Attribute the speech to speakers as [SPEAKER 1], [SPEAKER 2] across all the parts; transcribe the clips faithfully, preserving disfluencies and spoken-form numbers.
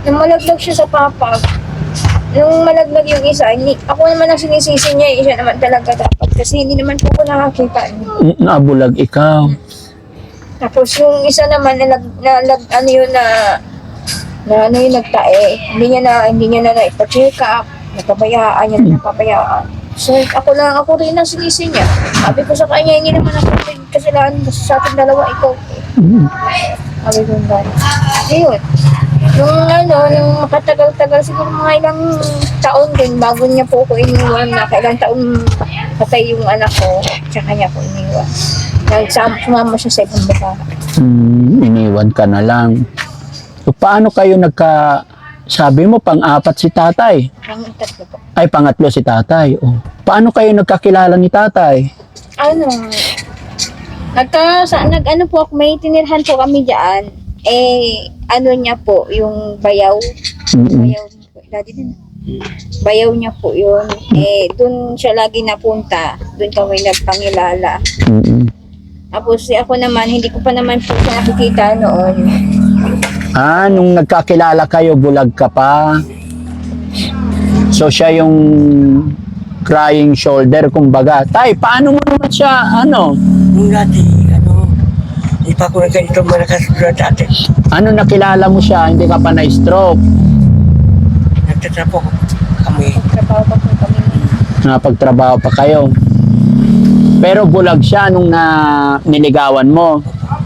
[SPEAKER 1] Nung malaglag siya sa papa, nung malaglag yung isa, hindi, ako naman ang sinisisi niya, eh, siya naman talaga dapat. Kasi hindi naman po ko nakakita.
[SPEAKER 2] Mm, Nabulag ikaw.
[SPEAKER 1] Tapos yung isa naman, nalag, nalag, ano yun na, na ano yung nagtae, hindi niya na, hindi niya na naipa-check up, napabayaan niya na napabayaan. So, ako lang, ako rin ang sinisi niya. Sabi ko sa kanya, hindi naman ako rin kasalanan kasi sa ating dalawa, ikaw.
[SPEAKER 2] Mm.
[SPEAKER 1] Sabi ko ba? Ayun. Nung ano, nung makatagal-tagal, siguro mga ilang taon din, bago niya po ako iniwan na kailang taon patay yung anak ko, tsaka niya ako iniwan. Nagsama, sumama siya sa ibang baka.
[SPEAKER 2] Mm, iniwan ka na lang. So, paano kayo nagka... Sabi mo, pang-apat si tatay.
[SPEAKER 1] Ang tatlo po.
[SPEAKER 2] Ay, pangatlo si tatay. Oh. Paano kayo nagkakilala ni tatay?
[SPEAKER 1] Ano, nagka, sa, nag, ano po ako, may tinirhan po kami dyan. Eh, ano niya po, yung bayaw.
[SPEAKER 2] Mm-mm.
[SPEAKER 1] Bayaw, dati din. Bayaw niya po yun. Eh, dun siya lagi napunta. Dun kami nagpangilala.
[SPEAKER 2] Mm-mm.
[SPEAKER 1] Tapos, eh, ako naman, hindi ko pa naman po siya nakikita noon.
[SPEAKER 2] Ah, nung nagkakilala kayo, bulag ka pa. So, siya yung crying shoulder, kumbaga. Tay, paano mo naman siya, ano?
[SPEAKER 3] Nung dati, ano, hindi pa ako na ganito malakas na dati.
[SPEAKER 2] Ano nakilala mo siya, hindi ka pa na-stroke?
[SPEAKER 3] Nagtatrapo kami.
[SPEAKER 1] Trabaho pa po kami.
[SPEAKER 2] Napagtrabaho pa kayo. Pero bulag siya nung na niligawan mo.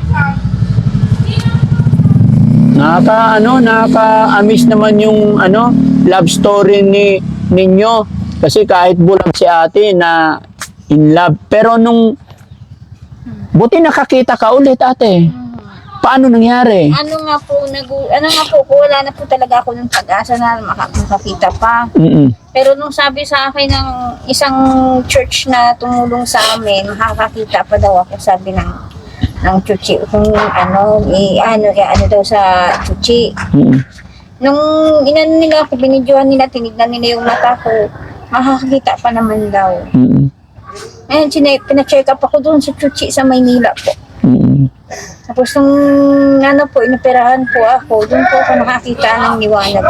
[SPEAKER 2] Nakaka ano, nakaka-amiss naman yung ano, love story ni ninyo kasi kahit bulag si ate na in love. Pero nung buti nakakita ka ulit ate. Paano nangyari?
[SPEAKER 1] Ano nga po, nag, ano nga po, po, wala na po talaga ako ng pag-asa na maka- makakita pa.
[SPEAKER 2] Mm.
[SPEAKER 1] Pero nung sabi sa akin ng isang church na tumulong sa amin, makakakita pa daw ako, sabi ng ng chuchi, kung ano, i, ano, i, ano daw sa chuchi.
[SPEAKER 2] Mm.
[SPEAKER 1] Nung inano nila ako, binidyohan nila, tinignan nila yung mata ko, makakakita pa naman daw.
[SPEAKER 2] Mm.
[SPEAKER 1] Ayun, chine, pina-check up ako doon sa chuchi sa Maynila po.
[SPEAKER 2] Mm.
[SPEAKER 1] Tapos nung ano po, inoperahan po ako, doon po ako nakakita ng liwanag.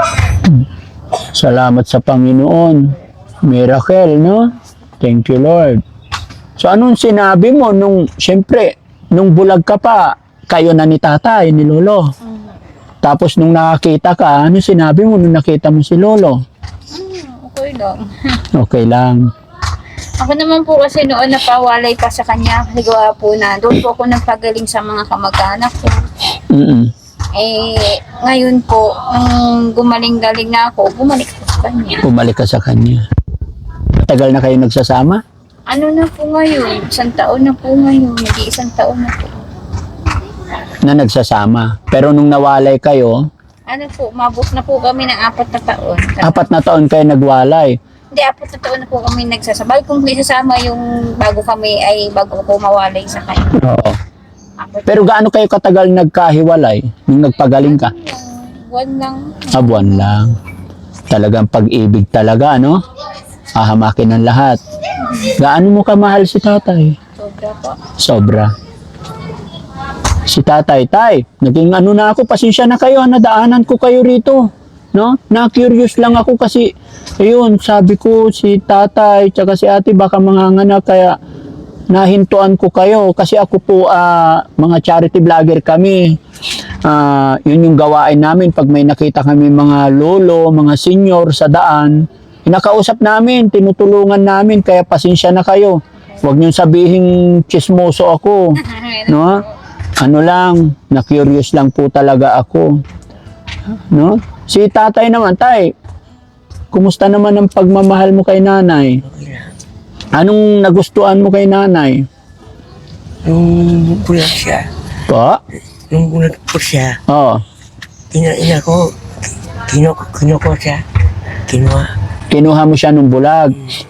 [SPEAKER 2] Salamat sa Panginoon. Miracle, no? Thank you, Lord. So, anong sinabi mo nung, syempre, nung bulag ka pa, kayo na ni tatay, ni lolo. Tapos nung nakakita ka, ano sinabi mo nung nakita mo si lolo?
[SPEAKER 1] Hmm, okay lang.
[SPEAKER 2] Okay lang.
[SPEAKER 1] Ako naman po kasi noon napawalay pa sa kanya, ligawa po na doon po ako nagpagaling sa mga kamag-anak ko.
[SPEAKER 2] Mm.
[SPEAKER 1] Eh, ngayon po, nung gumaling-galing na ako, bumalik ko sa kanya.
[SPEAKER 2] Bumalik ka sa kanya. Tagal na kayo nagsasama?
[SPEAKER 1] Ano na po ngayon? Isang taon na po ngayon. Nag-iisang taon na po.
[SPEAKER 2] Na nagsasama. Pero nung nawalay kayo,
[SPEAKER 1] Ano po, mabot na po kami ng apat na taon.
[SPEAKER 2] apat na taon kayo nagwalay.
[SPEAKER 1] Hindi, apat na taon na po kami nagsasabay. Kung isasama yung bago kami ay bago ko mawalay sa kanya.
[SPEAKER 2] Oo.
[SPEAKER 1] Apat
[SPEAKER 2] Pero gaano kayo katagal nagkahiwalay nung nagpagaling ka?
[SPEAKER 1] lang, buwan lang.
[SPEAKER 2] Ah, buwan lang. Talagang pag-ibig talaga, no? Ahamakin ang lahat. Gaano mo kamahal si tatay?
[SPEAKER 1] Sobra po.
[SPEAKER 2] Sobra. Si tatay, tay, naging ano na ako, pasensya na kayo, nadaanan ko kayo rito. No? Na-curious lang ako kasi, ayun, sabi ko si tatay, tsaka si ate baka manganganak, kaya nahintuan ko kayo kasi ako po, ah, mga charity vlogger kami. Ah, yun yung gawain namin pag may nakita kami mga lolo, mga senior sa daan, inakausap namin, tinutulungan namin, kaya pasensya na kayo. Huwag niyong sabihin chismoso ako. No? Ano lang, na-curious lang po talaga ako. No? Si tatay naman, tay, kumusta naman ang pagmamahal mo kay nanay?
[SPEAKER 3] Okay na.
[SPEAKER 2] Anong nagustuhan mo kay nanay?
[SPEAKER 3] Nung bulag siya,
[SPEAKER 2] Po?
[SPEAKER 3] nung bulag po siya,
[SPEAKER 2] Oo.
[SPEAKER 3] ina-ina ko, kino, kino ko siya, kinuha.
[SPEAKER 2] Kinuha mo siya nung bulag.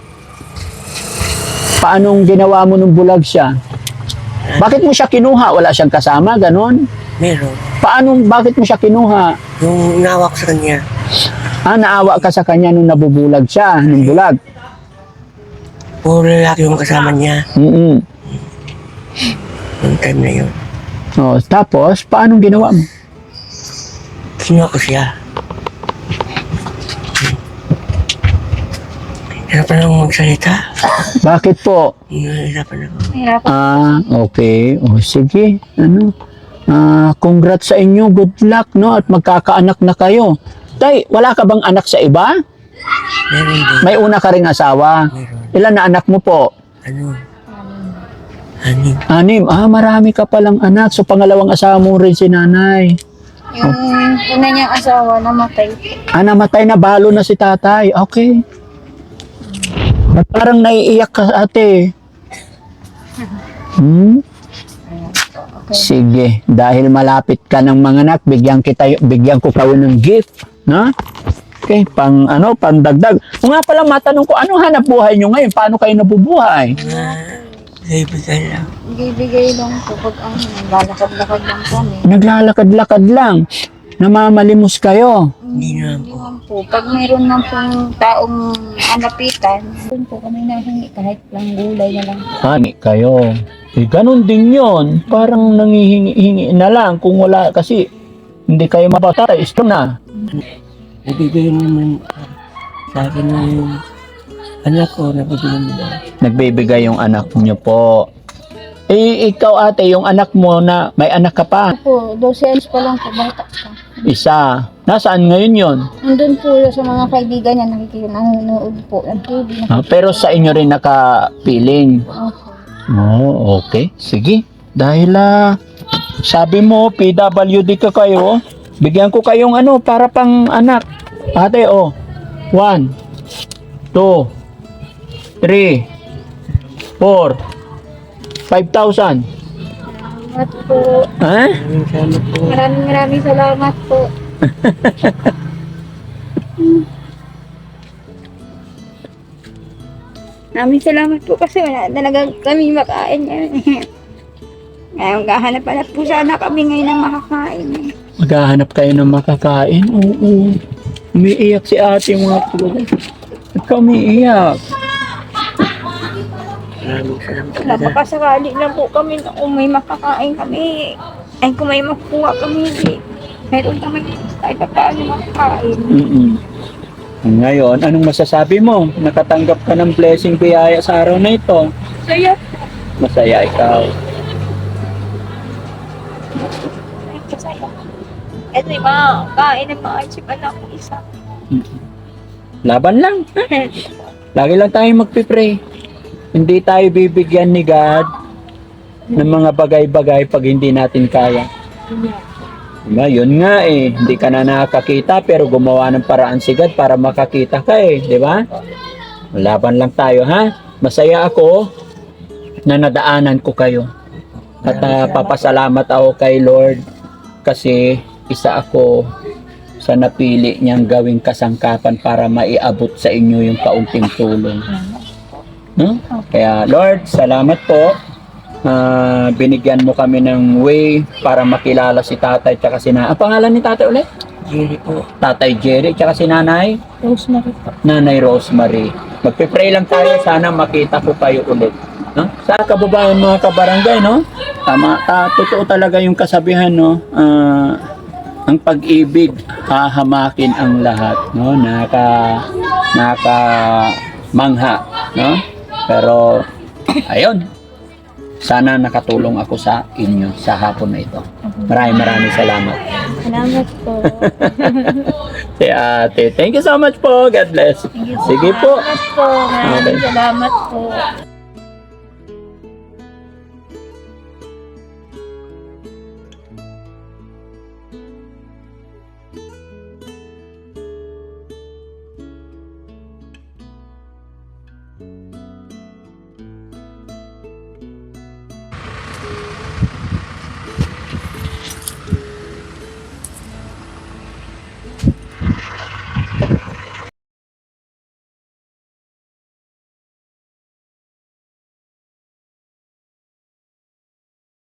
[SPEAKER 2] Paanong ginawa mo nung bulag siya? Bakit mo siya kinuha? Wala siyang kasama, ganon?
[SPEAKER 3] Meron.
[SPEAKER 2] Paano, bakit mo siya kinuha?
[SPEAKER 3] Yung nawa ko sa kanya,
[SPEAKER 2] Ah, naawa ka sa kanya nung nabubulag siya, nung bulag.
[SPEAKER 3] puro lalaki yung kasama niya,
[SPEAKER 2] Mm-mm.
[SPEAKER 3] nung time na yun.
[SPEAKER 2] Oh, tapos, paanong ginawa mo?
[SPEAKER 3] Kinuha ko siya. Hirapan akong magsalita.
[SPEAKER 2] Bakit po?
[SPEAKER 3] Hirapan ako.
[SPEAKER 1] Mahirapan.
[SPEAKER 2] Ah, okay. O sige. Ano? Ah, congrats sa inyo. Good luck, no? At magkakaanak na kayo. Tay, wala ka bang anak sa iba?
[SPEAKER 3] Meron din.
[SPEAKER 2] May una ka ring asawa.
[SPEAKER 3] Meron.
[SPEAKER 2] Ilan na anak mo po?
[SPEAKER 3] Ano? Anim.
[SPEAKER 2] Anim. Ah, marami ka palang anak. So, pangalawang asawa mo rin si nanay.
[SPEAKER 1] Yung una niyang asawa namatay.
[SPEAKER 2] Ah, namatay na. Balo na si tatay. Okay. Ba't parang naiiyak ka, ate? Hmm? Sige. Dahil malapit ka ng mga anak, bigyan, kita, bigyan ko kayo ng gift. No? Okay, pang ano, pang dagdag. O nga pala, matanong ko, ano hanap buhay nyo ngayon? Paano kayo nabubuhay?
[SPEAKER 3] Mga kaibigan lang.
[SPEAKER 1] Bigay lang po pag ano, lalakad-lakad lang kami.
[SPEAKER 2] Naglalakad-lakad lang. Namamalimos kayo.
[SPEAKER 3] Hindi naman
[SPEAKER 1] Hindi
[SPEAKER 3] po.
[SPEAKER 1] naman po. Pag mayroon ng pong taong anapitan, doon po kami nahingi kahit lang gulay na lang.
[SPEAKER 2] Hani kayo. Eh, ganun din yon. Parang nangihingi-hingi na lang kung wala kasi hindi kayo mabatay. Ito na.
[SPEAKER 3] Nabibigay naman sa akin ng anak ko, nabibigay nila.
[SPEAKER 2] Nagbibigay yung anak nyo po. Eh, ikaw ate, yung anak mo na may anak ka pa.
[SPEAKER 1] Po, twelve anos pa lang po, bata pa.
[SPEAKER 2] Isa. Nasaan ngayon yon?
[SPEAKER 1] Nandun po sa mga kaibigan niya, nakikita, nanonood po ng T V.
[SPEAKER 2] Ah, pero sa inyo rin nakapiling.
[SPEAKER 1] Opo.
[SPEAKER 2] Oh, okay. Sige. Dahil ah, sabi mo, P W D ka kayo, bigyan ko kayong ano, para pang anak. Ate, oh. One, two, three, four, five thousand.
[SPEAKER 1] Salamat po.
[SPEAKER 2] Ha?
[SPEAKER 3] Maraming salamat po.
[SPEAKER 1] Maraming maraming salamat po. Maraming salamat po kasi wala talaga kami makain ngayon. Ngayon, gahanap-hanap po sana kami ngayon ng makakain. eh.
[SPEAKER 2] Maghahanap kayo ng makakain? Oo. Umiiyak si ate mga po. Ba't ka umiiyak?
[SPEAKER 3] Maraming salamat
[SPEAKER 1] Wala
[SPEAKER 3] talaga.
[SPEAKER 1] pa kasakali lang po kami na kung may makakain kami. Ay kung may makuha kami. eh, Meron kami kahit pa paano makakain.
[SPEAKER 2] Mm-mm. Ngayon, anong masasabi mo? Nakatanggap ka ng blessing biyaya sa araw na ito.
[SPEAKER 1] Saya
[SPEAKER 2] Masaya ikaw.
[SPEAKER 1] Masaya. Ito yung mga kain ng mga achieve anak ko isa.
[SPEAKER 2] Laban lang. Lagi lang tayo magpipray. Hindi tayo bibigyan ni God ng mga bagay-bagay pag hindi natin kaya. Diba? Yun nga eh. Hindi ka na nakakita pero gumawa ng paraan si God para makakita ka eh. Di ba? Laban lang tayo ha. Masaya ako na nadaanan ko kayo. At ah, papasalamat ako kay Lord kasi isa ako sa napili niyang gawing kasangkapan para maiabot sa inyo yung kaunting tulong. No? Kaya Lord, salamat po. Ah, binigyan mo kami ng way para makilala si tatay tsaka si nanay. Ang pangalan ni tatay ulit?
[SPEAKER 3] Jerry po.
[SPEAKER 2] Tatay Jerry tsaka si nanay?
[SPEAKER 1] Rosemary po.
[SPEAKER 2] Nanay Rosemary. Magpipray lang tayo, sana makita ko kayo ulit. No? Sa kababayan mga kabarangay, no? Tama, ta, totoo talaga yung kasabihan, no? Ah, ang pag-ibig hahamakin ang lahat, no? Naka naka mangha, no? Pero ayun. Sana nakatulong ako sa inyo sa hapon na ito. Maraming maraming salamat.
[SPEAKER 1] Salamat po.
[SPEAKER 2] Si ate, thank you so much po. God bless. Sige po.
[SPEAKER 1] Salamat po. Maraming
[SPEAKER 2] Okay.
[SPEAKER 1] salamat po.